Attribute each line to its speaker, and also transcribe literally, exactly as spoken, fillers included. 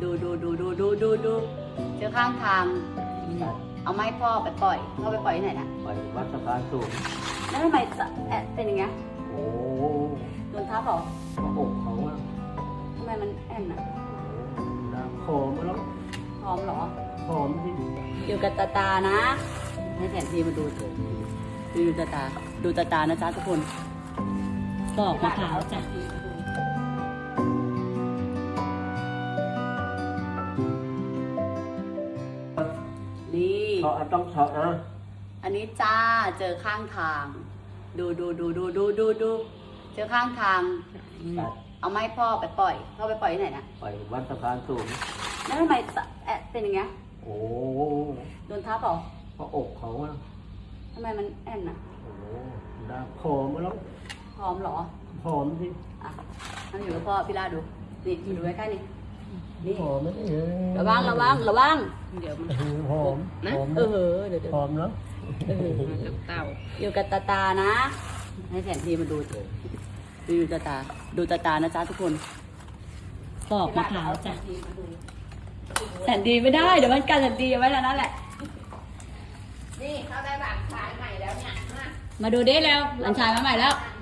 Speaker 1: ดูดูดูดูดูดูดูเจอข้างทางเอาไม้พ่อไปปล่อยพ่อไปปล่อยที่ไหนนะ
Speaker 2: ไปวัดสะพานสูง
Speaker 1: แล้วทำไมแอะเป็นอย่างเงี้ย
Speaker 2: โอ้
Speaker 1: โดนทับเหรอ
Speaker 2: พระอกเขาอะ
Speaker 1: ทำไมมันแอนอะ
Speaker 2: น้ำหอมแล้ว
Speaker 1: พร้อมเหรอ
Speaker 2: หอมที่
Speaker 1: อยู่กับตาตานะให้แผนที่มาดูเถอะดูตาตาดูตาตานะจ๊ะทุกคนปอกมะพร้าวจ้ะนี่
Speaker 2: เฉาะต้องเฉาะนะ
Speaker 1: อันนี้จ้าเจอข้างทาง ดูดูดูดูดูดูดูเจอข้างทางเอาไม้พ่อไปปล่อยพ่อไปปล่อยที่ไหนนะ
Speaker 2: ไปวัดสะพานสูง
Speaker 1: แล้วทำไมแอะเป็นอย่างเงี้ย
Speaker 2: โอ้
Speaker 1: โดนทับเหรอ
Speaker 2: พระอกเขาอะ
Speaker 1: ทำไมมันแอนอะ
Speaker 2: โอ้น้ำหอมแล้ว
Speaker 1: พร้อมเหรอ
Speaker 2: หอมที่
Speaker 1: อ่ะนั่นอยู่กับพ่อพี่ลาดูนี่มาดูใกล้ๆนี่นี่
Speaker 2: หอมไหมนี่
Speaker 1: ระวังระวังระวังเดี๋ยวมัน
Speaker 2: หอม
Speaker 1: นะ
Speaker 2: หอม
Speaker 1: เออเดี๋ยวเดี๋ยว
Speaker 2: หอมเนาะ
Speaker 1: เต่าอยู่กับตาตานะให้แผนที่มาดูเถอะดูดูตาตาดูตาตานะจ๊ะทุกคนปอกมะพร้าวจ้ะแสนดีไม่ได้เดี๋ยวมันกันแสนดีเอาไว้แล้วนั่นแหละ
Speaker 3: นี่เขาได้บัตรชายใหม่แล้วเนี่ยมา
Speaker 1: มาดูดิแล้วหลานชายมาใหม่แล้ว
Speaker 3: ม